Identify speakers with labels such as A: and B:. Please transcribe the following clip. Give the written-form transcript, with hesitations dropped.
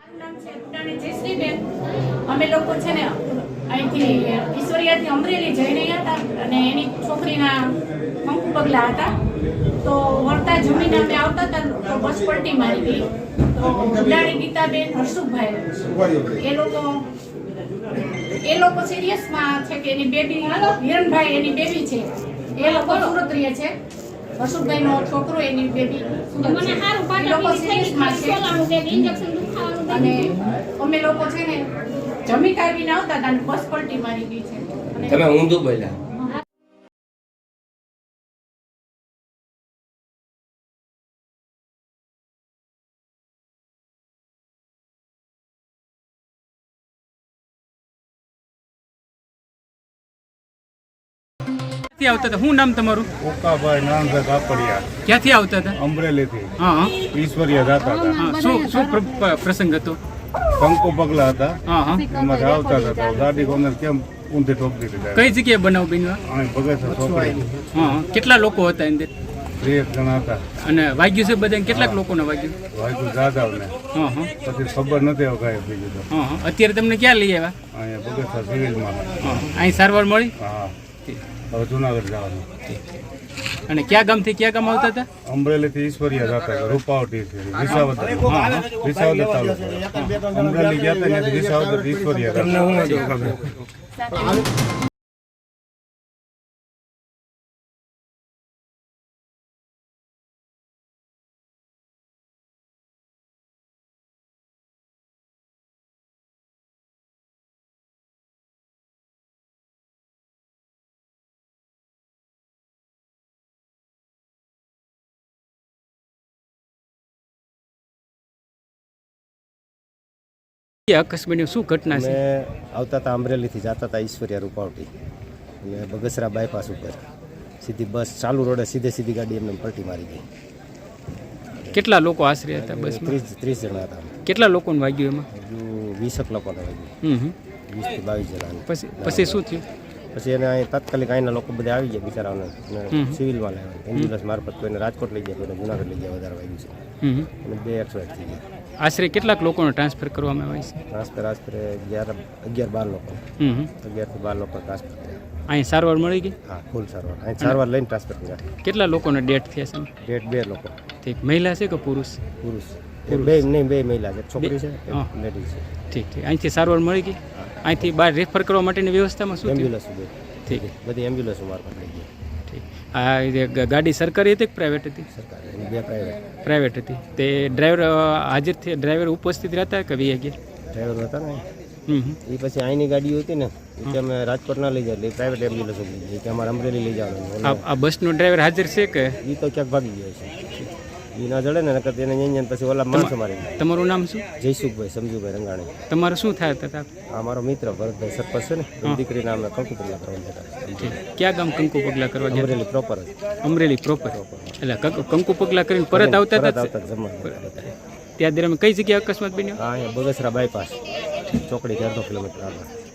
A: નામ છે ઉડાણી જયશ્રીબેન. અમે લોકો છે ને અહીંથી ઈશ્વરિયાથી અમરેલી જઈ રહ્યા હતા અને એની છોકરીના કંકુ પગલા હતા. તો વળતા જમીને અમે આવતા હતા તો બસ પલટી મારી ગઈ. તો ઉડાણી ગીતાબેન, હર્ષુભાઈ એ લોકો સિરિયસમાં છે કે એની બેબી હિરણભાઈ એની બેબી છે. એ લોકો સુરત રહે છે. હર્ષુભાઈ નો છોકરો એની બેબી સુરત છે. એ લોકો સિરિયસમાં છે અને અમે લોકો છે ને જમી કાઢીને આવતા હતા અને બસ પલટી મારી ગઈ છે.
B: તમે ઊંધું બોલ્યા.
C: ક્યાંથી આવતા હતા? શું નામ તમારું?
D: ઓકાભાઈ નાનભાઈ કાપડિયા,
C: ક્યાંથી આવતા હતા?
D: અમરેલીથી
C: હા
D: ઈશ્વરિયા જતા હતા.
C: હા શું પ્રસંગ હતો?
D: કંકુ પગલા હતા,
C: હા હા
D: એમાંથી આવતા હતા તો ગાડી કોને કેમ ઊંધી ઠોકી દીધી.
C: કઈ જગ્યાએ બનાવ બન્યો?
D: અહીં બગસરા ચોકડી
C: હા કેટલા લોકો હતા અંદર?
D: 3 જણા હતા.
C: અને વાગ્યું છે બધા? કેટલાક લોકોને વાગ્યું?
D: વાયકુ જાદવને
C: હા હા
D: પછી ખબર નથી હવે કાંઈ બીજું તો.
C: હા હા અત્યારે તમને ક્યાં લઈ આવ્યા?
D: અહીંયા બગસરા સિવિલમાં.
C: હા અહીં સારવાર મળી?
D: હા હવે જુનાગઢ જવાનું.
C: અને કયા ગામથી કયા ગામ આવતા હતા?
D: અમરેલીથી ઈશ્વરિયા જતા હતા, રૂપાવટી વિસાવદર તાલુકો. અમરેલી ગયા હતા ત્યાંથી વિસાવદર ઈશ્વરિયા હતા.
C: અકસ્માત શું ઘટના છે?
E: અમે આવતા હતા અમરેલીથી જતા હતા ઈશ્વરિયા રૂપાવટી અને બગસરા બાયપાસ ઉપર સીધી બસ ચાલુ રોડે સીધી ગાડી એમને પલટી મારી ગઈ.
C: કેટલા લોકો આશરે હતા બસમાં?
E: 30 જણા હતા.
C: કેટલા લોકોને વાગ્યું એમાં?
E: હજુ 20 લોકોને વાગ્યું. 20 થી 22 જણા.
C: પછી શું થયું?
E: પછી એને અહીં તાત્કાલિક અહીંના લોકો બધા આવી ગયા બિચારાઓને અને સિવિલમાં લાવ્યા. એમ્બ્યુલન્સ મારફત કોઈને રાજકોટ લઈ ગયા, કોઈને જુનાગઢ લઈ ગયા. વધારે વાગ્યું છે અને 2 એક્સપાયર થઈ ગયા.
C: આશરે કેટલાક લોકોને ટ્રાન્સફર કરવામાં આવે છે?
E: ટ્રાન્સફર 11-12 લોકો, 11 થી 12 લોકો ટ્રાન્સફર કર્યા.
C: અહીં સારવાર મળી ગઈ?
E: હા ફૂલ સારવાર. અહીં સારવાર લઈને ટ્રાન્સફર કર્યા.
C: કેટલા લોકોને ડેથ થયા છે?
E: ડેટ 2 લોકો.
C: ઠીક. મહિલા છે કે પુરુષ?
E: પુરુષ. બે મહિલા છે, છોકરી છે, લેડીઝ છે.
C: ઠીક. અહીંથી સારવાર મળી ગઈ? અહીંથી બહાર રેફર કરવા માટેની વ્યવસ્થામાં શું થયું?
E: એમ્બ્યુલન્સ
C: ઠીક.
E: બધી એમ્બ્યુલન્સ મારફત લઈ ગઈ.
C: ઠીક. આ ગાડી સરકારી હતી કે પ્રાઇવેટ હતી?
E: સરકારી. 2 પ્રાઇવેટ.
C: પ્રાઇવેટ હતી. તે ડ્રાઈવર હાજર થયા? ડ્રાઈવર ઉપસ્થિત રહેતા કે વી ગયા?
E: ડ્રાઈવર હતા ને એ પછી અહીંની ગાડીઓ હતી ને એ કે અમે રાજકોટ ના લઈ જાય એટલે પ્રાઇવેટ એમ્બ્યુલન્સ લઈ જાય કે અમારે અમરેલી લઈ જવાનું.
C: આ બસનો ડ્રાઈવર હાજર છે કે?
E: એ તો ક્યાંક ભાગી ગયો છે. એ ના જડે ને નકર એને અહીંયા પછી ઓલા માણસો મારી ગયા.
C: તમારું નામ શું?
E: જયસુખભાઈ સમજુભાઈ રંગાણી.
C: તમારે શું થાય હતા?
E: આ મારો મિત્ર ભરતભાઈ સરપંચ છે ને, એની દીકરીના અમે કંકુ પગલા કરવા જતા.
C: ક્યાં ગામ કંકુ પગલા કરવા ગયા?
E: અમરેલી પ્રોપર જ.
C: અમરેલી પ્રોપર. એટલે કંકુ પગલા કરીને પરત આવતા હતા?
E: જમવા.
C: ત્યાં દરમિયાન કઈ જગ્યાએ અકસ્માત બન્યો?
E: હા અહીંયા બગસરા બાયપાસ ચોકડી 1.5 કિલોમીટર આગળ.